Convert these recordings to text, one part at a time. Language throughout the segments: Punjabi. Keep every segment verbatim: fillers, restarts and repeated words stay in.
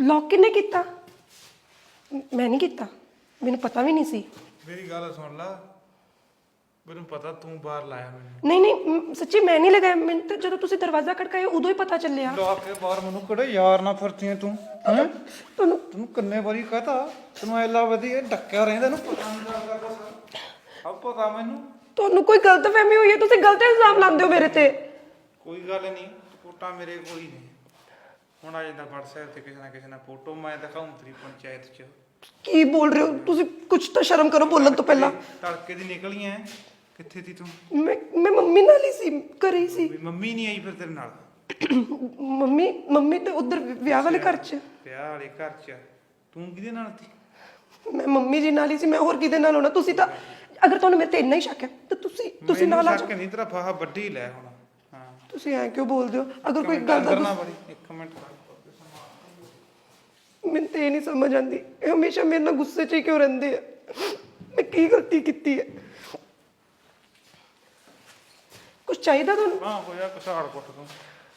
लॉक किन्ने कीता? मैं नहीं कीता, मैनू पता भी नहीं सी। मेरी गल सुन ला, मैनू पता तू बाहर लाया मैनू। नहीं नहीं सच्ची मैं नहीं लगाया, मैंने तो जो तुसी दरवाजा खड़काया उदों ही पता चलिया। ला के बाहर मैनू कड़े यार ना फरती तू हैं तन्नू तू किन्ने बारी कहता तैनू ऐला वधिया डक्या रहिंदा नू पता नहीं लगदा कुछ अब पता मैनू ਤੁਹਾਨੂੰ ਕੋਈ ਗਲਤਫਹਿਮੀ ਹੋਈ ਹੈ, ਤੁਸੀਂ ਗਲਤ ਇਲਜ਼ਾਮ ਲਾਉਂਦੇ ਹੋ ਮੇਰੇ ਤੇ। ਕੋਈ ਗੱਲ ਨਹੀਂ, ਰਿਪੋਰਟਾਂ ਮੇਰੇ ਕੋਲ ਹੀ ਨੇ। ਹੁਣ ਆ ਜਾਂਦਾ WhatsApp ਤੇ ਕਿਸੇ ਨਾ ਕਿਸੇ ਨਾਲ ਫੋਟੋ ਮੈਂ ਦਿਖਾਉਂ ਤੇਰੀ ਪੰਚਾਇਤ 'ਚ। ਕੀ ਬੋਲ ਰਹੇ ਹੋ ਤੁਸੀਂ? ਕੁਝ ਤਾਂ ਸ਼ਰਮ ਕਰੋ ਬੋਲਣ ਤੋਂ ਪਹਿਲਾਂ। ਤੜਕੇ ਦੀ ਨਿਕਲੀਆਂ ਕਿੱਥੇ ਸੀ ਤੂੰ? ਮੈਂ ਮੈਂ ਮੰਮੀ ਨਾਲ ਹੀ ਸੀ, ਘਰੇ ਹੀ ਸੀ। ਮੰਮੀ ਨਹੀਂ ਆਈ ਫਿਰ ਤੇਰੇ ਨਾਲ? ਮੰਮੀ ਮੰਮੀ ਤੇ ਉਧਰ ਵਿਆਹ ਵਾਲੇ ਘਰ 'ਚ। ਵਿਆਹ ਵਾਲੇ ਘਰ 'ਚ ਤੂੰ ਕਿਹਦੇ ਨਾਲ ਸੀ? ਮੈਂ ਮੰਮੀ ਜੀ ਨਾਲ ਹੀ ਸੀ, ਮੈਂ ਹੋਰ ਕਿਹਦੇ ਨਾਲ ਹੋਣਾ? ਤੁਸੀਂ ਤਾਂ ਅਗਰ ਤੁਹਾਨੂੰ ਮੇਰੇ ਤੇ ਇੰਨਾ ਹੀ ਸ਼ੱਕ ਹੈ ਤਾਂ ਤੁਸੀਂ ਤੁਸੀਂ ਨਾਲ ਆ ਜਾਓ। ਸ਼ੱਕ ਨਹੀਂ, ਤੇਰਾ ਫਾਹਾ ਵੱਡੀ ਲੈ ਹੁਣ। ਹਾਂ ਤੁਸੀਂ ਐਂ ਕਿਉਂ ਬੋਲਦੇ ਹੋ? ਅਗਰ ਕੋਈ ਗੱਲ ਦਾ ਕਰਨਾ ਬੜੀ ਇੱਕ ਮਿੰਟ ਮੈਨੂੰ ਤੇ ਇਹ ਨਹੀਂ ਸਮਝ ਆਉਂਦੀ, ਇਹ ਹਮੇਸ਼ਾ ਮੇਰੇ ਨਾਲ ਗੁੱਸੇ 'ਚ ਹੀ ਕਿਉਂ ਰਹਿੰਦੇ ਆ? ਮੈਂ ਕੀ ਗਲਤੀ ਕੀਤੀ ਹੈ? ਕੁਝ ਚਾਹੀਦਾ ਤੁਹਾਨੂੰ? ਹਾਂ ਹੋਇਆ ਕਸਾੜ ਕੁੱਟ ਤੂੰ।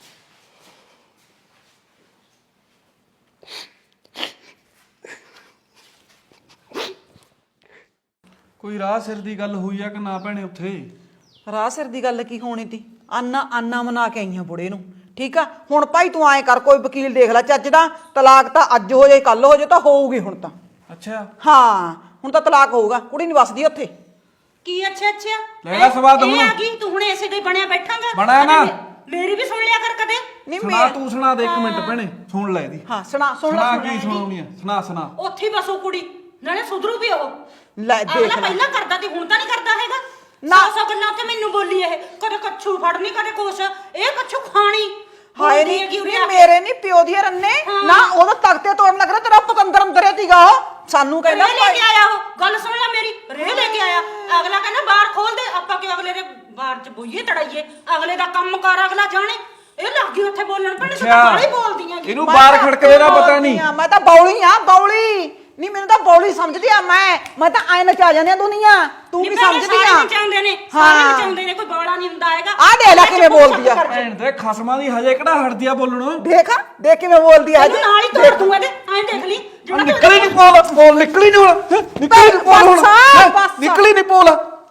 ਕੋਈ ਰਾਹ ਸਿਰ ਦੀ ਗੱਲ ਹੋਈ ਆ ਕਿ ਨਾ ਭੈਣੇ ਉੱਥੇ? ਰਾਹ ਸਿਰ ਦੀ ਗੱਲ ਕੀ ਹੋਣੀ ਤੀ? ਆਨਾ ਆਨਾ ਮਨਾ ਕੇ ਆਈਆਂ ਬੁੜੇ ਨੂੰ, ਠੀਕ ਆ। ਹੁਣ ਭਾਈ ਤੂੰ ਐਂ ਕਰ, ਕੋਈ ਵਕੀਲ ਦੇਖ ਲੈ ਚੱਜ ਦਾ। ਤਲਾਕ ਤਾਂ ਅੱਜ ਹੋ ਜਾਏ ਕੱਲ ਹੋ ਜਾਏ ਤਾਂ ਹੋਊਗੀ ਹੁਣ ਤਾਂ। ਅੱਛਾ ਹਾਂ ਹੁਣ ਤਾਂ ਤਲਾਕ ਹੋਊਗਾ, ਕੁੜੀ ਨਹੀਂ ਵਸਦੀ ਉੱਥੇ। ਕੀ ਅੱਛਾ ਅੱਛਾ ਲੈ ਲੈ ਸਵਾਦ ਇਹ ਹੁਣ। ਆ ਗਈ ਤੂੰ ਹੁਣ ਐਸੇ ਦੇ ਬਣਿਆ ਬੈਠਾਂਗਾ? ਬਣਿਆ ਨਾ। ਮੇਰੀ ਵੀ ਸੁਣ ਲਿਆ ਕਰ ਕਦੇ। ਨਹੀਂ ਸੁਣਾ ਮੈਂ ਤੂੰ ਸੁਣਾ ਦੇ ਇੱਕ ਮਿੰਟ ਭੈਣੇ, ਸੁਣ ਲੈ ਇਹਦੀ। ਹਾਂ ਸੁਣਾ ਸੁਣ ਸੁਣਾ ਲੈ ਕੀ ਸੁਣਾਉਣੀ ਆ? ਸੁਣਾ ਸੁਣਾ। ਉੱਥੇ ਹੀ ਬਸੋ ਕੁੜੀ, ਨਾਲੇ ਸੁਧਰੂ ਵੀ ਉਹ। ਲੈ ਦੇਖ ਅਗਲਾ ਲੈ। ਪਹਿਲਾਂ ਕਰਦਾ ਤੇ ਹੁਣ ਤਾਂ ਨਹੀਂ ਕਰਦਾ ਹੈਗਾ। ਨਾ। ਸੌ ਸੌ ਗੱਲਾਂ ਤੇ ਮੈਨੂੰ ਬੋਲੀ ਇਹ, ਕਦੇ ਕੱਛੂ ਫੜਨੀ ਕਦੇ ਕੁਛ। ਇਹ ਕੱਛੂ ਖਾਣੀ ਹਾਏ ਬੋਲਦੀ ਨਹੀਂ ਹੈਗੀ ਉਰੇ ਨਹੀਂ ਆ ਕੇ। ਮੇਰੇ ਨਹੀਂ ਪਿਓ ਦੀ ਰੰਨੇ ਨਾ, ਉਹਦਾ ਤਖਤੇ ਤੋੜਨ ਲੱਗ ਰਿਹਾ। ਤੇਰਾ ਪਤੰਦਰ ਅੰਦਰ ਸੀਗਾ ਉਹ, ਸਾਨੂੰ ਕਹਿੰਦਾ ਰੇ ਲੈ ਕੇ ਆਇਆ ਉਹ। ਗੱਲ ਸੁਣ ਲੈ ਮੇਰੀ, ਰੇ ਲੈ ਕੇ ਆਇਆ। ਅਗਲਾ ਕਹਿੰਦਾ ਬਾਹਰ ਖੋਲ ਦੇ, ਆਪਾਂ ਕਿ ਅਗਲੇ ਦੇ ਬਾਹਰ ਚ ਬੋਈਏ ਤੜਾਈਏ। ਅਗਲੇ ਦਾ ਕੰਮ ਕਾਰ ਅਗਲਾ ਜਾਣੇ। ਇਹ ਲੱਗ ਗਈ ਉੱਥੇ ਬੋਲਣ, ਭੈਣੇ ਤੂੰ ਤਾਂ ਬਾਹਲੀ ਬੋਲਦੀਆਂ ਗੀ। ਇਹਨੂੰ ਬਾਹਰ ਖੜਕਦੇ ਦਾ ਪਤਾ ਨਹੀਂ। ਮੈਂ ਤਾਂ ਬੌਲੀ ਆ ਬੌਲੀ, ਨਹੀਂ ਮੈਨੂੰ ਤਾਂ ਬੌਲੀ ਸਮਝਦੀ ਆ। ਮੈਂ ਮੈਂ ਤਾਂ ਐ ਨਚਾ ਜਾਂਦੀ ਆ ਦੁਨੀਆ, ਤੂੰ ਨਹੀਂ ਕੀ ਭੈਣੇ, ਸਮਝਦੀ ਸਾਰੇ ਆ? ਨਚਾਉਂਦੇ ਨੇ, ਸਾਰੇ ਨਚਾਉਂਦੇ ਨੇ, ਕੋਈ ਬੋਲਾ ਨਹੀਂ ਹੁੰਦਾ ਹੈਗਾ। ਆ ਦੇਖ ਲੈ ਕਿਵੇਂ ਬੋਲਦੀ ਆ। ਭੈਣ ਤੇ ਖਸਮਾਂ ਦੀ ਹਜੇ ਕਿਹੜਾ ਹਟਦੀ ਆ ਬੋਲਣੋਂ। ਦੇਖ ਦੇਖ ਕਿਵੇਂ ਬੋਲਦੀ ਆ। ਤੈਨੂੰ ਨਾਲ ਹੀ ਤੋੜ ਦੂੰਗਾ ਤੇ ਐਂ ਦੇਖ ਲਈ ਜਿਹੜਾ ਤੂੰ ਨਿਕਲੀ ਨਹੀਂ ਬੋਲ ਬੋਲ ਨਿਕਲੀ ਨਹੀਂ ਹੁਣ ਨਿਕਲੀ ਨਹੀਂ ਬੋਲ ਹੁਣ ਹੈਂ, ਨਿਕਲੀ ਨਹੀਂ ਬੋਲ।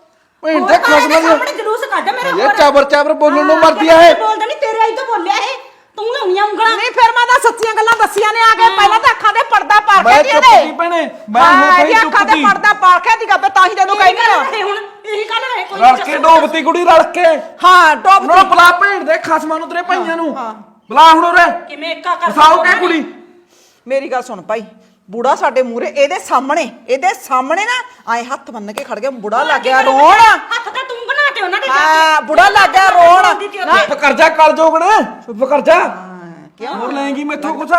ਭੈਣ ਤੇ ਖਸਮਾਂ ਦੀ ਸਾਹਮਣੇ ਜਲੂਸ ਕੱਢ ਮੇਰੇ ਇਹ ਹੋਰ। ਚਾਬਰ ਚਾਬਰ ਬੋਲਣ ਨੂੰ ਹਾਂ, ਮਰਦੀ ਆ ਇਹ। ਬੋਲਦਾ ਨਹੀਂ, ਤੇਰੇ ਆਈ ਤੋਂ ਬੋਲਿਆ ਇਹ। ਤੂੰ ਲਾਉਣੀਆਂ ਉਂਗਲਾਂ। ਨਹੀਂ ਫਿਰ ਮੈਂ ਤਾਂ ਸੱਚੀਆਂ ਗੱਲਾਂ ਦੱਸੀਆਂ ਨੇ ਆ ਕੇ। ਪਹਿਲਾਂ ਤਾਂ ਅੱਖਾਂ ਦੇ ਪਰਦਾ ਪਾ ਮੈਂ ਕੇ ਚੁੱਪ ਇਹਦੇ ਦੀ ਭੈਣੇ, ਮੈਂ ਹੁਣ ਹਾਂ, ਸਹੀ ਇਹਦੀ ਅੱਖਾਂ ਦੇ ਚੁੱਪ ਦੀ। ਪਰਦਾ ਪਾ ਕੇ ਦੀ ਗੱਬੇ ਤਾਂ ਹੀ ਤੈਨੂੰ ਕਹਿੰਦੀ ਆ। ਹੁਣ ਇਹੀ ਗੱਲ ਰਹੇ ਕੋਈ ਰਲ ਕੇ ਡੋਬਤੀ ਕੁੜੀ ਰਲ ਕੇ। ਹਾਂ ਟੋਪ ਉਹਨਾਂ ਨੂੰ ਬੁਲਾ ਭੈਣ ਦੇ ਖਸਮਾਂ ਨੂੰ ਤੇਰੇ ਭਾਈਆਂ ਨੂੰ ਬੁਲਾ ਹੁਣ ਉਰੇ। ਕਿਵੇਂ ਇੱਕਾ ਕਰ ਫਸਾਓ ਕੇ ਕੁੜੀ। ਮੇਰੀ ਗੱਲ ਸੁਣ ਭਾਈ, ਬੁੜਾ ਸਾਡੇ ਮੂਹਰੇ ਇਹਦੇ ਸਾਹਮਣੇ ਇਹਦੇ ਸਾਹਮਣੇ ਨਾ ਆਏ ਹੱਥ ਬੰਨ ਕੇ ਖੜ ਗਿਆ। ਬੁੜਾ ਲੱਗ ਗਿਆ ਰੋਣ। ਹੱਥ ਤਾਂ ਤੂੰ ਬਣਾ ਤੇ ਉਹਨਾਂ ਦੇ ਜਾ ਕੇ। ਹਾਂ ਬੁੜਾ ਲੱਗ ਗਿਆ ਰੋਣ। ਚੁੱਪ ਕਰ ਜਾ ਕਲ ਜੋਗਣ, ਚੁੱਪ ਕਰ ਜਾ। ਕਿਉਂ ਹੋਰ ਲੈਂਗੀ ਮੈਥੋਂ ਕੁਛ?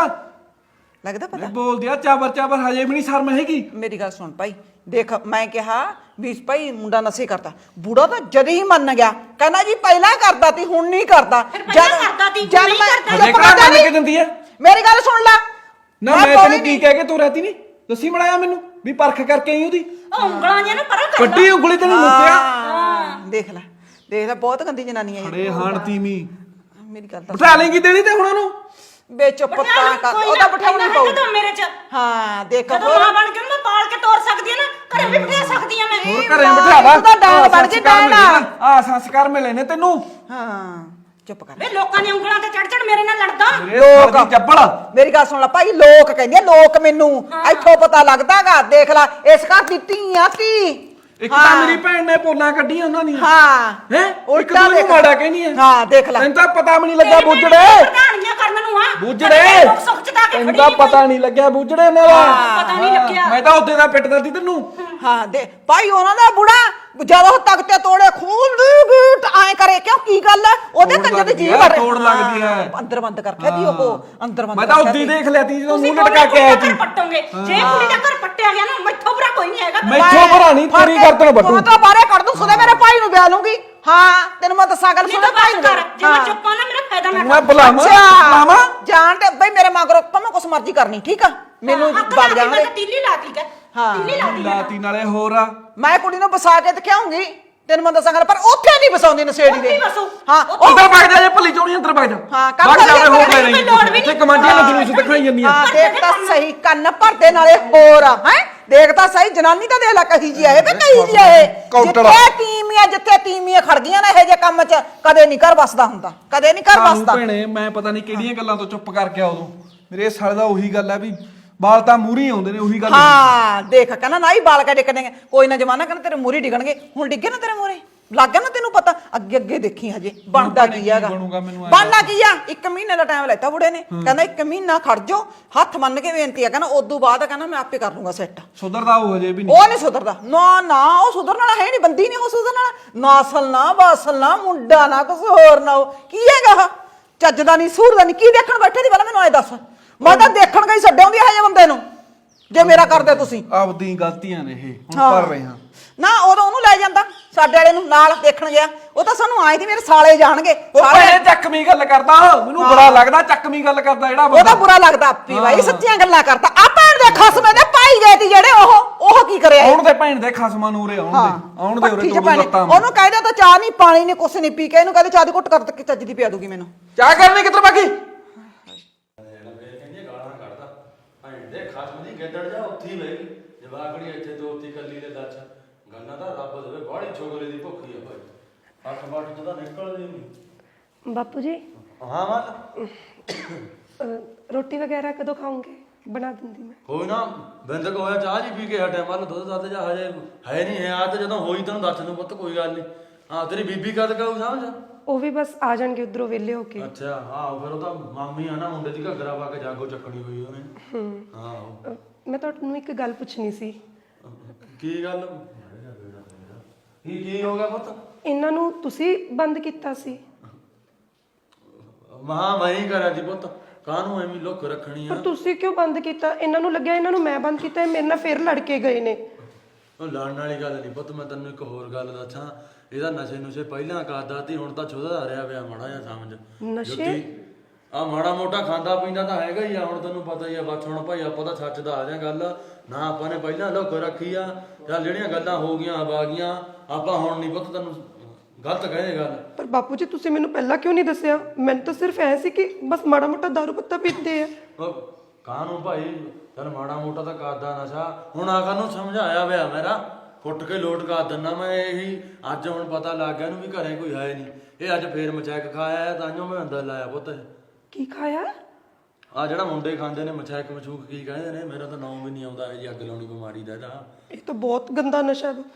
ਲੱਗਦਾ ਪਤਾ? ਬੋਲਦੀ ਆ ਚਾਬਰ ਚਾਬਰ, ਹਜੇ ਵੀ ਨਹੀਂ ਸ਼ਰਮ ਹੈਗੀ। ਮੇਰੀ ਗੱਲ ਸੁਣ ਭਾਈ, ਦੇਖ ਮੈਂ ਕਿਹਾ ਵੀ ਭਾਈ ਮੁੰਡਾ ਨਸ਼ੇ ਕਰਦਾ। ਬੁੜਾ ਤਾਂ ਜਦ ਹੀ ਮੰਨ ਗਿਆ, ਕਹਿੰਦਾ ਜੀ ਪਹਿਲਾਂ ਕਰਦਾ ਤੀ ਹੁਣ ਨਹੀਂ ਕਰਦਾ। ਫਿਰ ਪਹਿਲਾਂ ਕਰਦਾ ਤੀ, ਹੁਣ ਜਦ ਨਹੀਂ ਮੈਂ ਕਰਦਾ। ਹਜੇ ਚੁੱਪ ਕਿਹੜਾ ਕਰ ਜਾ ਮੰਨ ਕੇ ਨੀ। ਦਿੰਦੀ ਐ? ਮੇਰੀ ਗੱਲ ਸੁਣ ਲੈ। ਨਾ ਮੈਂ ਤੈਨੂੰ ਕੀ ਕਹਿ ਕੇ ਤੂੰ ਰਹਤੀ ਨਹੀਂ ਦੱਸੀ ਬਣਾਇਆ ਮੈਨੂੰ ਵੀ ਪਰਖ ਕਰਕੇ ਆਈ ਉਹਦੀ। ਉਹ ਉਂਗਲਾਂ ਜਿਹੀਆਂ ਨੂੰ ਪਰਾਂ ਕਰ। ਵੱਡੀ ਉਂਗਲੀ ਤੈਨੂੰ ਮੁੱਤਿਆ। ਹਾਂ ਦੇਖ ਲੈ ਦੇਖ ਲੈ, ਬਹੁਤ ਗੰਦੀ ਜਨਾਨੀ ਹੈ ਖੜੇ ਹਾਣ ਤੀਵੀਂ ਮੇਰੀ ਗੱਲ ਤਾਂ ਬਿਠਾ ਲੇਂਗੀ ਦੇਣੀ ਤੇ ਹੁਣ ਉਹਨੂੰ। ਬੇ ਚੁੱਪ ਤਾਂ ਕਰ, ਉਹਦਾ ਬਿਠਾਉਣੀ ਪਊ ਪਊ। ਮੇਰੇ ਚ ਹਾਂ ਦੇਖ ਜਦੋਂ ਮਾਂ ਬਣ ਕੇ ਮੈਂ ਪਾਲ ਕੇ ਤੋਰ ਸਕਦੀ ਆ ਨਾ, ਘਰੇ ਵੀ ਬਿਠਾ ਸਕਦੀ ਆ ਮੈਂ। ਹੋਰ ਘਰੇ ਬਿਠਾ ਲਾ। ਤੂੰ ਤਾਂ ਡਾਂਗ ਬਣ ਕੇ ਬਹਿਣਾ। ਆ ਸੰਸਕਾਰ ਮਿਲੇ ਨੇ ਤੈਨੂੰ। ਹਾਂ ਚੁੱਪ ਕਰ। ਵੇ ਲੋਕਾਂ ਦੀਆਂ ਉਂਗਲਾਂ ਤੇ ਚੜ ਚੜ ਮੇਰੇ ਨਾਲ ਲੜਦਾ। ਲੋਕ ਚੱਪਲ ਮੇਰੀ ਗੱਲ ਸੁਣ ਲੈ ਭਾਈ, ਲੋਕ ਕਹਿੰਦੇ ਆ, ਲੋਕ ਮੈਨੂੰ ਇੱਥੋਂ ਪਤਾ ਲੱਗਦਾਗਾ। ਦੇਖ ਲੈ ਇਸ ਘਰ ਦੀ ਧੀ ਆ ਧੀ। ਇੱਕ ਤਾਂ ਮੇਰੀ ਭੈਣ ਨੇ ਪੋਲਾਂ ਕੱਢੀਆਂ ਉਹਨਾਂ ਦੀਆਂ। ਹਾਂ ਹੈ ਉਲਟਾ ਉਲਟਾ ਦੇਖ। ਮਾੜਾ ਕਹਿਨੀ ਹੈ। ਹਾਂ ਦੇਖ ਲੈ। ਤੈਨੂੰ ਤਾਂ ਪਤਾ ਵੀ ਨਹੀਂ ਲੱਗਿਆ ਤੇਰੀ ਬੁੱਜੜੇ। ਪ੍ਰਧਾਨੀਆਂ ਕਰਨ ਨੂੰ ਆ ਬੁੱਜੜੇ ਲੋਕ ਸੁੱਖ ਚ ਤਾਂ ਕੇ ਤੈਨੂੰ ਖੜੀ ਤਾਂ ਨੀ ਪਤਾ ਨਹੀਂ ਲੱਗਿਆ ਬੁੱਜੜੇ ਉਹਨਾਂ ਦਾ। ਪਤਾ ਨਹੀਂ ਲੱਗਿਆ। ਮੈਂ ਤਾਂ ਉੱਤੇ ਦਾ ਪਿੱਟਦਾ ਸੀ ਤੈਨੂੰ। ਹਾਂ ਦੇ ਭਾਈ ਉਹਨਾਂ ਦਾ ਬੁੜਾ ਜਦੋਂ ਉਹ ਤਖਤੇ ਤੋੜੇ ਖੂਨ ਗੂਟ ਐ ਕਰੇ ਕਿਉਂ ਕੀ ਗੱਲ ਹੈ? ਉਹਦੇ ਤੋੜ ਕੰਜਰ ਦੀ ਲੱਗਦੀ ਜੀਭ ਹੈ, ਵੜ ਤੋੜ ਲੱਗਦੀ ਹੈ। ਅੰਦਰ ਬੰਦ ਕਰ ਖੇਦੀ ਉਹ ਅੰਦਰ ਬੰਦ ਮੈਂ ਤਾਂ ਕਰ ਉੱਦੀ ਦੇਖ ਲਿਆ ਤੀ ਜਦੋਂ ਤੁਸੀਂ ਮੂੰਹ ਲਟਕਾ ਕੇ ਆਇਆ ਘਰ ਸੀ। ਪੱਟੋਗੇ। ਜੇ ਕੁੜੀ ਦਾ ਘਰ ਪੱਟਿਆ ਗਿਆ ਨਾ, ਮੈਥੋਂ ਬੁਰਾ ਕੋਈ ਨਹੀਂ ਹੈਗਾ। ਮੈਥੋਂ ਭਰਾ ਨਹੀਂ, ਤੇਰੀ ਗਰਦਨ ਵੱਢੂ। ਤੂੰ ਤਾਂ ਬਾਹਰੇ ਕੱਢ ਦੂੰ, ਸੁਦੇ ਮੇਰੇ ਭਾਈ ਨੂੰ ਵਿਆਹ ਲੂੰਗੀ। ਹਾਂ ਤੈਨੂੰ ਮੈਂ ਦੱਸਾਂ ਗੱਲ ਨਹੀਂ ਸੁਦੇ ਤਾਂ ਭਾਈ ਬਸ ਨੂੰ ਕਰ, ਜੇ ਮੈਂ ਚੁੱਪ ਆ ਨਾ ਮੇਰਾ ਫਾਇਦਾ ਨਾ ਮੈਂ ਕਰ। ਬੁਲਾਵਾਂ ਅੱਛਾ ਬੁਲਾਵਾਂ ਜਾਣ ਤੇ ਬਈ ਮੇਰੇ ਮਗਰੋਂ ਭਾਵੇਂ ਕੁਛ ਮਰਜ਼ੀ ਕਰਨੀ, ਠੀਕ ਆ? ਮੈਨੂੰ ਹੱਥ ਵਗ ਲਾ ਜਾਣ ਕੇ ਦੇ। ਮੈਂ ਤੀਲੀ ਲਾਤੀ ਕਾ ਹਾਂ। ਤੀਲੀ ਲਾਤੀ ਆ। ਲਾਤੀ ਨਾਲੇ ਹੋਰ ਆ। ਮੈਂ ਕੁੜੀ ਨੂੰ ਵਸਾ ਕੇ ਦਿਖਾਉਂਗੀ। ਤੈਨੂੰ ਮੈਂ ਦੱਸਾਂ ਗੱਲ ਪਰ ਉੱਥੇ ਨਹੀਂ ਵਸਾਉਂਦੀ ਨਸ਼ੇੜੀ ਉੱਥੇ ਦੇ ਹੀ ਵਸੂ। ਹਾਂ ਉਹ ਅੰਦਰ ਵਗ ਜਾ ਜੇ ਭੱਲੀ ਚੋਣੀ ਅੰਦਰ ਵਗ ਜਾ ਹਾਂ, ਕੰਮ ਵਗ ਜਾ ਕਰੀਏ, ਹੋ ਕਰੀਏ, ਨਹੀਂ ਕੋਈ ਲੋੜ ਵੀ ਇੱਥੇ ਨਹੀਂ। ਕਮਾਂਡੀਆਂ ਨੂੰ ਜਲੂਸ ਦਿਖਾਈ ਜਾਂਦੀਆਂ ਹਾਂ ਦੇਖ ਤਾਂ ਸਹੀ ਕੰਨ ਭਰਦੇ ਨਾਲੇ ਹੋਰ ਆ ਹੈ ਦੇਖ ਤਾਂ ਸਹੀ ਜਨਾਨੀ ਤਾਂ ਦੇਖ ਲੈ ਕਹੀ ਜੀ ਆਏ ਵੇ ਕਹੀ ਜੀ ਆਏ ਕੌਂਟਲ। ਜਿੱਥੇ ਤੀਮੀਆਂ ਜਿੱਥੇ ਤੀਮੀਆਂ ਖੜ ਗਈਆਂ ਨਾ ਇਹ ਜੇ ਕੰਮ 'ਚ ਕਦੇ ਨਹੀਂ ਘਰ ਵਸਦਾ ਹੁੰਦਾ ਕਦੇ ਨਹੀਂ ਘਰ ਸਾਨੂੰ ਵਸਦਾ ਭੈਣੇ ਮੈਂ ਪਤਾ ਨਹੀਂ ਕਿਹੜੀਆਂ ਗੱਲਾਂ ਤੋਂ ਚੁੱਪ ਕਰਕੇ ਆ ਉਦੋਂ ਮੇਰੇ ਸਾਲੇ ਦਾ ਉਹੀ ਗੱਲ ਹੈ ਵੀ ਬਾਲ ਤਾਂ ਮੂਹਰੇ ਆਉਂਦੇ ਨੇ ਉਹੀ ਗੱਲ ਹਾਂ ਦੇਖ ਕਹਿੰਦਾ ਨਾ ਹੀ ਬਾਲ ਕੇ ਡਿੱਗਣਗੇ ਕੋਈ ਨਾ ਜਮਾਨਾ ਕਹਿੰਦਾ ਤੇਰੇ ਮੂਹਰੇ ਡਿੱਗਣਗੇ ਹੁਣ ਡਿੱਗੇ ਨਾ ਤੇਰੇ ਮੂਹਰੇ ਲੱਗ ਗਿਆ ਨਾ ਤੈਨੂੰ ਪਤਾ ਅੱਗੇ ਅੱਗੇ ਦੇਖੀ ਹਜੇ ਬਣਦਾ ਕੀ ਹੈਗਾ ਬਣੂਗਾ ਮੈਨੂੰ ਐਂ ਬਣਨਾ ਕੀ ਆ ਇੱਕ ਮਹੀਨੇ ਦਾ ਟਾਈਮ ਲੈਤਾ ਬੁੜੇ ਨੇ ਕਹਿੰਦਾ ਇੱਕ ਮਹੀਨਾ ਖੜ ਜਾਓ ਹੱਥ ਮੰਨ ਕੇ ਬੇਨਤੀ ਆ ਕਹਿੰਦਾ ਉਦੋਂ ਬਾਅਦ ਕਹਿੰਦਾ ਮੈਂ ਆਪੇ ਕਰ ਲੂੰਗਾ ਸੈੱਟ ਸੁਧਰਦਾ ਉਹ ਹਜੇ ਵੀ ਨਹੀਂ ਉਹ ਨਹੀਂ ਸੁਧਰਦਾ ਨਾ ਨਾ ਉਹ ਸੁਧਰਨ ਵਾਲਾ ਹੈ ਨਹੀਂ ਬੰਦੀ ਨਹੀਂ ਉਹ ਸੁਧਰਨ ਵਾਲਾ ਨਸਲ ਨਾ ਬਾਸਲ ਨਾ ਮੁੰਡਾ ਨਾ ਕੁਝ ਹੋਰ ਨਾ ਉਹ ਕੀ ਹੈਗਾ ਆਹ? ਚੱਜ ਦਾ ਨਹੀਂ ਸੂਰ ਦਾ ਨਹੀਂ ਕੀ ਦੇਖਣ ਬੈਠੇ ਦੀ ਪਹਿਲਾਂ ਮੈਨੂੰ ਐ ਦੱਸ ਮੈਂ ਤਾਂ ਦੇਖਣ ਗਈ ਛੱਡਿਆਉਂਦੀ ਹੈ ਜੇ ਬੰਦੇ ਨੂੰ ਜੇ ਮੇਰਾ ਕਰਦੇ ਤੁਸੀਂ ਆਪਦੀ ਗਲਤੀਆਂ ਨੇ ਇਹ ਹੁਣ ਹਾਂ। ਕਰ ਰਹੇ ਹਾਂ ਨਾ ਉਦੋਂ ਉਹਨੂੰ ਲੈ ਜਾਂਦਾ ਸਾਡੇ ਵਾਲੇ ਨੂੰ ਨਾਲ ਦੇਖਣ ਗਿਆ ਉਹ ਤਾਂ ਸਾਨੂੰ ਆਏ ਸੀ ਮੇਰੇ ਸਾਲੇ ਜਾਣਗੇ ਉਹ ਸਾਲੇ ਭੈਣੇ ਚੱਕਵੀਂ ਗੱਲ ਕਰਦਾ ਮੈਨੂੰ ਬੁਰਾ ਲੱਗਦਾ ਚੱਕਵੀਂ ਗੱਲ ਕਰਦਾ ਜਿਹੜਾ ਉਹਦਾ ਬੰਦਾ ਬੁਰਾ ਲੱਗਦਾ ਆਪੀ ਬਾਈ ਸੱਚੀਆਂ ਗੱਲਾਂ ਕਰਦਾ ਆ ਭੈਣ ਦੇ ਖਸਮੇ ਦੇ ਪਾਈ ਗਏ ਤੀ ਜਿਹੜੇ ਉਹ ਉਹ ਕੀ ਕਰਿਆ ਆਉਣ ਦੇ ਭੈਣ ਦੇ ਖਸਮਾਂ ਨੂੰ ਉਰੇ ਆਉਣ ਦੇ ਆਉਣ ਦੇ ਉਰੇ ਪੱਠੀ ਚ ਦੋ ਭੈਣੇ। ਲੱਤਾਂ ਉਹਨੂੰ ਕਹਿ ਤਾਂ ਚਾਹ ਨਹੀਂ ਪਾਣੀ ਨਹੀਂ ਕੁਛ ਨਹੀਂ ਪੀ ਕੇ ਇਹਨੂੰ ਕਹਿੰਦੇ ਚਾਹ ਦੀ ਘੁੱਟ ਕਰ ਕੇ ਚੱਜ ਦੀ ਪਿਆ ਦੂਗੀ ਮੈਨੂੰ ਚਾਹ ਕਰਨੀ ਕਿੱਧਰ ਬਾਕੀ ਦੇ ਖਸਮ ਦੀ ਗਿੱਦੜ ਜਾ ਉੱਥੇ ਹੀ ਬਹਿ ਗਈ ਜਵਾਕੜੀ ਇੱਥੇ ਦੋ ਉੱਤੀ ਕੱਲੀ ਦੇ ਦੱਸ ਗੰਨਾ ਤਾਂ ਰੱਬ ਦੇਵੇ ਬਾਹਲੀ ਛੋਗਲੇ ਦੀ ਭੁੱਖੀ ਆ ਭਾਈ ਅੱਠ ਬੱਠ ਤੋਂ ਤਾਂ ਨਿਕਲਦੀ ਨਹੀਂ ਬਾਪੂ ਜੀ ਹਾਂ ਮਾਂ ਅਹ, ਰੋਟੀ ਵਗੈਰਾ ਕਦੋਂ ਖਾਓਗੇ ਬਣਾ ਦਿੰਦੀ ਮੈਂ ਕੋਈ ਨਾ ਬਿੰਦਕ ਹੋਇਆ ਚਾਹ ਜੀ ਪੀ ਕੇ ਹਟਿਆ ਮੱਲ ਦੁੱਧ ਦੱਧ ਜਾ ਹਜੇ ਹੈ ਨਹੀਂ ਹੈ ਆ ਤੇ ਜਦੋਂ ਹੋਈ ਤੈਨੂੰ ਦੱਸ ਦੂੰ ਪੁੱਤ ਕੋਈ ਗੱਲ ਨਹੀਂ ਹਾਂ ਤੇਰੀ ਬੀਬੀ ਕਦ ਕਹੂ ਸਮਝ ਉਹ ਵੀ ਬਸ ਆ ਜਾਣਗੇ ਉਧਰੋਂ ਵਿਹਲੇ ਹੋ ਕੇ ਅੱਛਾ ਹਾਂ ਫਿਰ ਉਹ ਤਾਂ ਮਾਮੀ ਆ ਨਾ ਮੁੰਡੇ ਦੀ ਘੱਗਰਾ ਪਾ ਕੇ ਜਾਗੋ ਚੱਕਣੀ ਹੋਈ ਉਹਨੇ ਹੂੰ ਹਾਂ ਅਹ, ਮੈਂ ਤੁਹਾਨੂੰ ਇੱਕ ਗੱਲ ਪੁੱਛਣੀ ਸੀ ਕੀ ਗੱਲ ਕੀ ਕੀ ਹੋ ਗਿਆ ਪੁੱਤ ਇਹਨਾਂ ਨੂੰ ਤੁਸੀਂ ਬੰਦ ਕੀਤਾ ਸੀ ਮਹਾ ਮੈਂ ਹੀ ਕਰਿਆ ਜੀ ਪੁੱਤ ਕਾਹਨੂੰ ਐਵੇਂ ਲੁੱਕ ਰੱਖਣੀ ਆ ਪਰ ਤੁਸੀਂ ਕਿਉਂ ਬੰਦ ਕੀਤਾ ਇਹਨਾਂ ਨੂੰ ਲੱਗਿਆ ਇਹਨਾਂ ਨੂੰ ਮੈਂ ਬੰਦ ਕੀਤਾ ਇਹ ਮੇਰੇ ਨਾਲ ਫੇਰ ਲੜ ਕੇ ਗਏ ਨੇ ਉਹ ਲੜਨ ਵਾਲੀ ਗੱਲ ਨਹੀਂ ਪੁੱਤ ਮੈਂ ਤੈਨੂੰ ਇੱਕ ਹੋਰ ਗੱਲ ਦੱਸਾਂ ਇਹਦਾ ਨਸ਼ੇ ਨੁਸ਼ੇ ਪਹਿਲਾਂ ਕਰਦਾ ਸੀ ਹੁਣ ਤਾਂ ਛੋਦਾ ਰਿਹਾ ਪਿਆ ਮਾੜਾ ਜਿਹਾ ਸਮਝ ਨਸ਼ੇ ਆ ਮਾੜਾ ਮੋਟਾ ਖਾਂਦਾ ਪੀਂਦਾ ਤਾਂ ਹੈਗਾ ਹੀ ਆ ਹੁਣ ਤੈਨੂੰ ਪਤਾ ਹੀ ਆ ਬਸ ਹੁਣ ਭਾਈ ਆਪਾਂ ਤਾਂ ਸੱਚ ਦਾ ਆ ਜਾ ਗੱਲ ਨਾ ਆਪਾਂ ਨੇ ਪਹਿਲਾਂ ਲੁੱਕ ਰੱਖੀ ਆ ਜਾਂ ਜਿਹੜੀਆਂ ਗੱਲਾਂ ਹੋ ਗਈਆਂ ਆ ਗਈਆਂ ਆਪਾਂ ਹੁਣ ਨਹੀਂ ਪੁੱਤ ਤੈਨੂੰ ਗਲਤ ਕਹੇ ਗੱਲ ਪਰ ਬਾਪੂ ਜੀ ਤੁਸੀਂ ਮੈਨੂੰ ਪਹਿਲਾਂ ਕਿਉਂ ਨਹੀਂ ਦੱਸਿਆ ਮੈਨੂੰ ਤਾਂ ਸਿਰਫ ਐ ਸੀ ਕਿ ਬਸ ਮਾੜਾ ਮੋਟਾ ਦਾਰੂ ਪੱਤਾ ਪੀਂਦੇ ਆ ਉਹ ਕਾਹਨੂੰ ਭਾਈ ਚੱਲ ਮਾੜਾ ਮੋਟਾ ਤਾਂ ਕਰਦਾ ਨਸ਼ਾ ਹੁਣ ਆਖਰ ਨੂੰ ਸਮਝਾਇਆ ਵਿਆ ਮੇਰਾ ਫੁੱਟ ਕੇ ਲੋਟ ਕਰ ਦਿੰਦਾ ਮੈਂ ਇਹੀ ਅੱਜ ਹੁਣ ਪਤਾ ਲੱਗ ਗਿਆ ਇਹਨੂੰ ਵੀ ਘਰੇ ਕੋਈ ਹੈ ਨਹੀਂ ਇਹ ਅੱਜ ਫੇਰ ਮਚੈਕ ਖਾਇਆ ਤਾਂਿਓ ਮੈਂ ਅੰਦਰ ਲਾਇਆ ਪੁੱਤ ਕੀ ਖਾਇਆ ਆ ਜਿਹੜਾ ਮੁੰਡੇ ਖਾਂਦੇ ਨੇ ਮਚੈਕ ਮਚੂਕ ਕੀ ਕਹਿੰਦੇ ਨੇ ਮੇਰਾ ਤਾਂ ਨਾਮ ਵੀ ਨਹੀਂ ਆਉਂਦਾ ਇਹ ਜੀ ਅੱਗ ਲਾਉਣੀ ਬਿਮਾਰੀ ਦਾ ਇਹਦਾ ਇਹ ਤਾਂ ਬਹੁਤ ਗੰਦਾ ਨਸ਼ਾ ਹੈ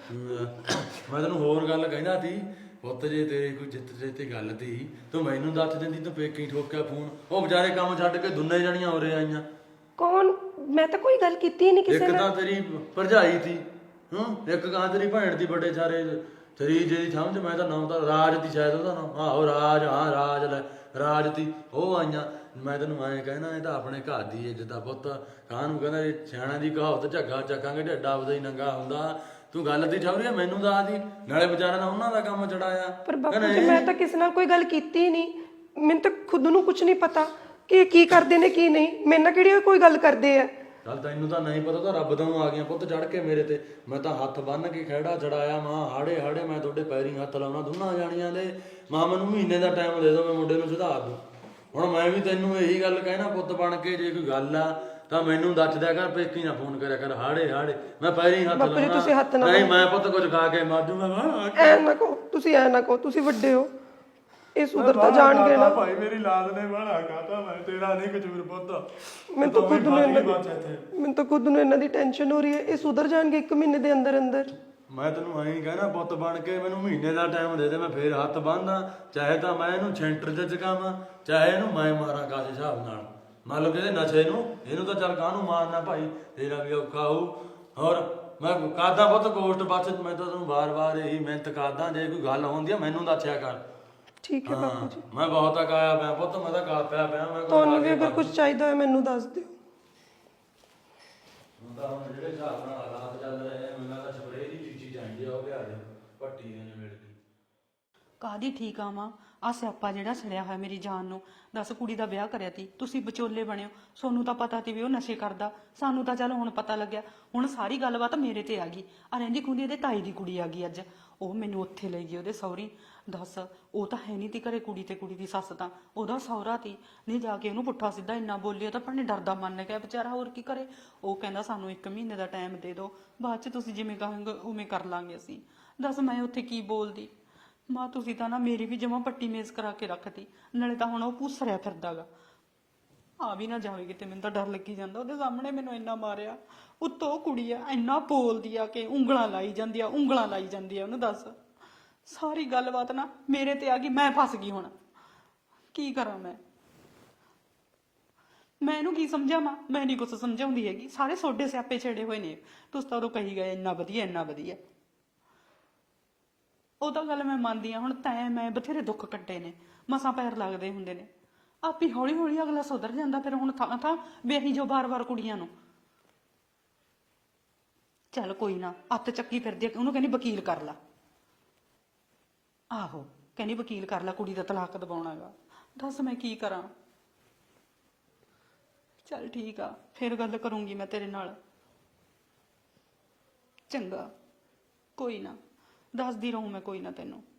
ਮੈਂ ਤੈਨੂੰ ਹੋਰ ਗੱਲ ਕਹਿੰਦਾ ਸੀ ਪੁੱਤ ਜੇ ਤੇਰੇ ਕੋਈ ਜਿੱਤ ਜੇ ਤੇ ਗੱਲ ਤੀ ਤੂੰ ਮੈਨੂੰ ਦੱਸ ਦਿੰਦੀ ਤੂੰ ਪੇਕੀ ਠੋਕਿਆ ਫੋਨ ਉਹ ਵਿਚਾਰੇ ਕੰਮ ਛੱਡ ਕੇ ਦੁੰਨੇ ਜਣੀਆਂ ਹੋ ਰਹੇ ਆਈਆਂ ਕੌਣ ਮੈਂ ਤਾਂ ਕੋਈ ਗੱਲ ਕੀਤੀ ਨਹੀਂ ਕਿਸੇ ਇੱਕ ਨਾਲ ਤਾਂ ਤੇਰੀ ਭਰਜਾਈ ਤੀ ਹੂੰ ਇੱਕ ਗਾਂ ਤੇਰੀ ਭੈਣ ਦੀ ਬੜੇ ਸਾਰੇ ਤੇਰੀ ਜਿਹੜੀ ਸਮਝ ਮੈਂ ਤਾਂ ਨਾਮ ਤਾਂ ਰਾਜ ਦੀ ਸ਼ਾਇਦ ਉਹਦਾ ਨਾਮ ਆਹੋ ਰਾਜ ਹਾਂ ਰਾਜ ਲੈ ਰਾਜ ਤੀ ਉਹ ਆਈਆਂ ਮੈਂ ਤੈਨੂੰ ਐਂ ਕਹਿਣਾ ਇਹ ਤਾਂ ਆਪਣੇ ਘਰ ਦੀ ਇੱਜ਼ਤ ਦਾ ਪੁੱਤ ਕਾਂ ਨੂੰ ਕਹਿੰਦਾ ਇਹ ਸਿਆਣਾ ਦੀ ਕਹਾਵਤ ਝੱਗਾ ਚੱਕਾਂਗੇ ਢੱਡਾ ਆਪਦਾ ਹੀ ਨੰਗਾ ਹੁੰਦਾ ਤੂੰ ਗੱਲ ਦੀ ਠੌਰੀ ਮੈਨੂੰ ਦੱਸ ਦੀ ਨਾਲੇ ਵਿਚਾਰਿਆਂ ਦਾ ਉਹਨਾਂ ਦਾ ਕੰਮ ਚੜਾਇਆ ਪਰ ਬਾਪੂ ਜੀ ਮੈਂ ਤਾਂ ਕਿਸੇ ਨਾਲ ਕੋਈ ਗੱਲ ਕੀਤੀ ਨਹੀਂ ਮੈਨੂੰ ਤਾਂ ਖੁਦ ਨੂੰ ਕੁਝ ਨਹੀਂ ਪਤਾ ਕਿ ਇਹ ਕੀ ਕਰਦੇ ਨੇ ਕੀ ਨਹੀਂ ਮੇਰੇ ਨਾਲ ਕਿਹੜੀ ਕੋਈ ਗੱਲ ਕਰਦੇ ਆ ਚੱਲ ਤੈਨੂੰ ਤਾਂ ਨਹੀਂ ਪਤਾ ਤਾਂ ਰੱਬ ਤੋਂ ਆ ਗਈਆਂ ਪੁੱਤ ਚੜ ਕੇ ਮੇਰੇ ਤੇ ਮੈਂ ਤਾਂ ਹੱਥ ਬੰਨ ਕੇ ਖਹਿੜਾ ਚੜਾਇਆ ਮਾਂ ਹਾੜੇ ਹਾੜੇ ਮੈਂ ਤੁਹਾਡੇ ਪੈਰੀਂ ਹੱਥ ਲਾਉਣਾ ਦੋਨਾਂ ਜਾਣੀਆਂ ਦੇ ਮਾਂ ਮੈਨੂੰ ਮਹੀਨੇ ਦਾ ਟਾਈਮ ਦੇ ਦਿਓ ਮੈਂ ਮੁੰਡੇ ਨੂੰ ਸੁਧਾਰ ਦੂੰ ਹੁਣ ਮੈਂ ਵੀ ਤੈਨੂੰ ਇਹੀ ਗੱਲ ਕਹਿਣਾ ਪੁੱਤ ਬਣ ਕੇ ਜੇ ਕੋਈ ਗੱਲ ਆ ਤਾਂ ਮੈਨੂੰ ਦੱਸ ਦਿਆ ਕਰ ਪੇਕੀ ਨਾ ਫੋਨ ਕਰਿਆ ਕਰ ਹਾੜੇ ਹਾੜੇ ਮੈਂ ਪੈਰੀਂ ਹੱਥ ਬਾਪੂ ਜੀ ਤੁਸੀਂ ਹੱਥ ਨਾ ਨਹੀਂ ਮੈਂ ਪੁੱਤ ਕੁਝ ਖਾ ਕੇ ਮਰ ਜੂਗਾ ਐ ਨਾ ਕਹੋ ਤੁਸੀਂ ਐ ਨਾ ਕਹੋ ਤੁਸੀਂ ਵੱਡੇ ਹੋ ਇਹ ਸੁਧਰ ਤਾਂ ਜਾਣਗੇ ਨਾ ਭਾਈ ਮੇਰੀ ਲਾਦ ਨੇ ਬਾਹਲਾ ਖਾਤਾ ਮੈਂ ਤੇਰਾ ਨਹੀਂ ਕੁਝ ਮੇਰੇ ਪੁੱਤ ਮੈਨੂੰ ਤਾਂ ਖੁਦ ਨੂੰ ਇਹਨਾਂ ਦੀ ਮੈਨੂੰ ਤਾਂ ਖੁਦ ਨੂੰ ਇਹਨਾਂ ਦੀ ਟੈਨਸ਼ਨ ਹੋ ਰਹੀ ਹੈ ਇਹ ਸੁਧਰ ਜਾਣਗੇ ਇੱਕ ਮਹੀਨੇ ਦੇ ਅੰਦਰ ਅੰਦਰ ਮੈਂ ਤੈਨੂੰ ਐਂ ਕਹਿਣਾ ਪੁੱਤ ਬਣ ਕੇ ਮੈਨੂੰ ਮਹੀਨੇ ਦਾ ਟਾਈਮ ਦੇ ਦੇ ਮੈਂ ਫੇਰ ਹੱਥ ਬੰਨਦਾ ਚਾਹੇ ਤਾਂ ਮੈਂ ਇਹਨੂੰ ਸੈਂਟਰ 'ਚ ਚਕਾਵਾਂ ਚਾਹੇ ਇਹਨੂੰ ਮੈਂ ਮਾਰਾਂ ਕਾਸੇ ਹਿਸਾਬ ਨਾਲ ਮੰਨ ਲਓ ਕਿ ਇਹਦੇ ਨਸ਼ੇ ਨੂੰ ਇਹਨੂੰ ਤਾਂ ਚੱਲ ਕਾਹਨੂੰ ਮਾਰਨਾ ਭਾਈ ਤੇਰਾ ਵੀ ਔਖਾ ਹੋਊ ਹੋਰ ਮੈਂ ਕਰਦਾ ਪੁੱਤ ਕੋਸਟ ਬਸ ਮੈਂ ਤਾਂ ਤੈਨੂੰ ਵਾਰ-ਵਾਰ ਇਹੀ ਮਿਹਨਤ ਕਰਦਾ ਜੇ ਕੋਈ ਗੱਲ ਹੁੰਦੀ ਆ ਮੈਨੂੰ ਦੱਸਿਆ ਕਰ ਠੀਕ ਹੈ ਬਾਪੂ ਜੀ ਮੈਂ ਬਹੁਤ ਅਕਾਇਆ ਪਿਆ ਪੁੱਤ ਮੈਂ ਤਾਂ ਕਾ ਪਿਆ ਪਿਆ ਮੈਂ ਤੁਹਾਨੂੰ ਵੀ ਅਗਰ ਕੁਝ ਚਾਹੀਦਾ ਹੈ ਮੈਨੂੰ ਦੱਸ ਦਿਓ ਤਾਂ ਹੁਣ ਜਿਹੜੇ ਹਿਸਾਬ ਨਾਲ ਹਾਲਾਤ ਚੱਲ ਰਹੇ ਆ ਮੈਨੂੰ ਤਾਂ ਸਪਰੇਅ ਦੀ ਚੀਜ਼ੀ ਚਾਹੀਦੀ ਆ ਉਹ ਲਿਆ ਦੇ ਪੱਟੀ ਦੇ ਮਿਲ ਗਈ ਕਾਹਦੀ ਠੀਕ ਆ ਮਾਂ? ਆ ਸਿਆਪਾ ਜਿਹੜਾ ਛੜਿਆ ਹੋਇਆ ਮੇਰੀ ਜਾਨ ਨੂੰ। ਦੱਸ, ਕੁੜੀ ਦਾ ਵਿਆਹ ਕਰਿਆ ਤੀ, ਤੁਸੀਂ ਵਿਚੋਲੇ ਬਣਿਓ, ਸੋਨੂੰ ਤਾਂ ਪਤਾ ਤੀ ਵੀ ਉਹ ਨਸ਼ੇ ਕਰਦਾ, ਸਾਨੂੰ ਤਾਂ ਚੱਲ ਹੁਣ ਪਤਾ ਲੱਗਿਆ। ਹੁਣ ਸਾਰੀ ਗੱਲਬਾਤ ਮੇਰੇ ਤੇ ਆ ਗਈ। ਆ ਰਹਿੰਦੀ ਖੁੰਦੀ ਇਹਦੇ ਤਾਈ ਦੀ ਕੁੜੀ ਆ ਗਈ ਅੱਜ, ਉਹ ਮੈਨੂੰ ਉੱਥੇ ਲਈ ਗਈ ਉਹਦੇ ਸਹੁਰੀ। ਦੱਸ, ਉਹ ਤਾਂ ਹੈ ਨਹੀਂ ਤੀ ਘਰੇ, ਕੁੜੀ ਤੇ ਕੁੜੀ ਦੀ ਸੱਸ ਤਾਂ ਉਹਦਾ ਸਹੁਰਾ ਤੀ। ਨਹੀਂ ਜਾ ਕੇ ਉਹਨੂੰ ਪੁੱਠਾ ਸਿੱਧਾ ਇੰਨਾ ਬੋਲਿਆ ਤਾਂ ਭੈਣੇ ਡਰਦਾ ਮੰਨ ਗਿਆ ਵਿਚਾਰਾ, ਹੋਰ ਕੀ ਕਰੇ। ਉਹ ਕਹਿੰਦਾ ਸਾਨੂੰ ਇੱਕ ਮਹੀਨੇ ਦਾ ਟਾਈਮ ਦੇ ਦਿਓ, ਬਾਅਦ ਚ ਤੁਸੀਂ ਜਿਵੇਂ ਕਹੋਗੇ ਉਵੇਂ ਕਰ ਲਾਂਗੇ ਅਸੀਂ। ਦੱਸ ਮੈਂ ਉੱਥੇ ਕੀ ਬੋਲਦੀ। ਮਾਂ ਤੁਸੀਂ ਤਾਂ ਨਾ ਮੇਰੀ ਵੀ ਜਮਾ ਪੱਟੀ ਮੇਜ਼ ਕਰਾ ਕੇ ਰੱਖਤੀ, ਨਾਲੇ ਤਾਂ ਹੁਣ ਉਹ ਭੂਸਰਿਆ ਫਿਰਦਾਗਾ। ਆ ਵੀ ਨਾ ਜਾਵੇ ਕਿਤੇ, ਮੈਨੂੰ ਤਾਂ ਡਰ ਲੱਗੀ ਜਾਂਦਾ। ਉਹਦੇ ਸਾਹਮਣੇ ਮੈਨੂੰ ਇੰਨਾ ਮਾਰਿਆ, ਉੱਤੋਂ ਕੁੜੀ ਆ ਇੰਨਾ ਬੋਲਦੀ ਆ ਕਿ ਉਂਗਲਾਂ ਲਾਈ ਜਾਂਦੀ ਆ, ਉਂਗਲਾਂ ਲਾਈ ਜਾਂਦੀ ਆ ਉਹਨੂੰ। ਦੱਸ, ਸਾਰੀ ਗੱਲਬਾਤ ਨਾ ਮੇਰੇ ਤੇ ਆ ਗਈ, ਮੈਂ ਫਸ ਗਈ। ਹੁਣ ਕੀ ਕਰਾਂ ਮੈਂ? ਮੈਂ ਇਹਨੂੰ ਕੀ ਸਮਝਾਵਾਂ? ਮੈਂ ਨਹੀਂ ਕੁਛ ਸਮਝਾਉਂਦੀ ਹੈਗੀ, ਸਾਰੇ ਸੋਡੇ ਸਿਆਪੇ ਛੇੜੇ ਹੋਏ ਨੇ। ਤੁਸੀਂ ਤਾਂ ਉਦੋਂ ਕਹੀ ਗਏ ਇੰਨਾ ਵਧੀਆ ਇੰਨਾ ਵਧੀਆ। ਉਹ ਤਾਂ ਗੱਲ ਮੈਂ ਮੰਨਦੀ ਆ, ਹੁਣ ਤੈਂ ਮੈਂ ਬਥੇਰੇ ਦੁੱਖ ਕੱਟੇ ਨੇ, ਮਸਾਂ ਪੈਰ ਲੱਗਦੇ ਹੁੰਦੇ ਨੇ। ਆਪੀ ਹੌਲੀ ਹੌਲੀ ਅਗਲਾ ਸੁਧਰ ਜਾਂਦਾ। ਫਿਰ ਹੁਣ ਥਾਂ ਥਾਂ ਵੇਹੀ ਜੋ ਬਾਰ-ਬਾਰ ਕੁੜੀਆਂ ਨੂੰ। ਚੱਲ ਕੋਈ ਨਾ, ਅੱਤ ਚੱਕੀ ਫਿਰਦੀ ਆ, ਉਹਨੂੰ ਕਹਿੰਦੀ ਵਕੀਲ ਕਰ ਲਾ। ਆਹੋ, ਕਹਿੰਦੀ ਵਕੀਲ ਕਰ ਲਾ, ਕੁੜੀ ਦਾ ਤਲਾਕ ਦਵਾਉਣਾਗਾ। ਦੱਸ ਮੈਂ ਕੀ ਕਰਾਂ? ਚੱਲ ਠੀਕ ਆ, ਫਿਰ ਗੱਲ ਕਰੂੰਗੀ ਮੈਂ ਤੇਰੇ ਨਾਲ। ਚੰਗਾ, ਕੋਈ ਨਾ, ਦੱਸਦੀ ਰਹੂੰ ਮੈਂ ਕੋਈ ਨਾ ਤੈਨੂੰ।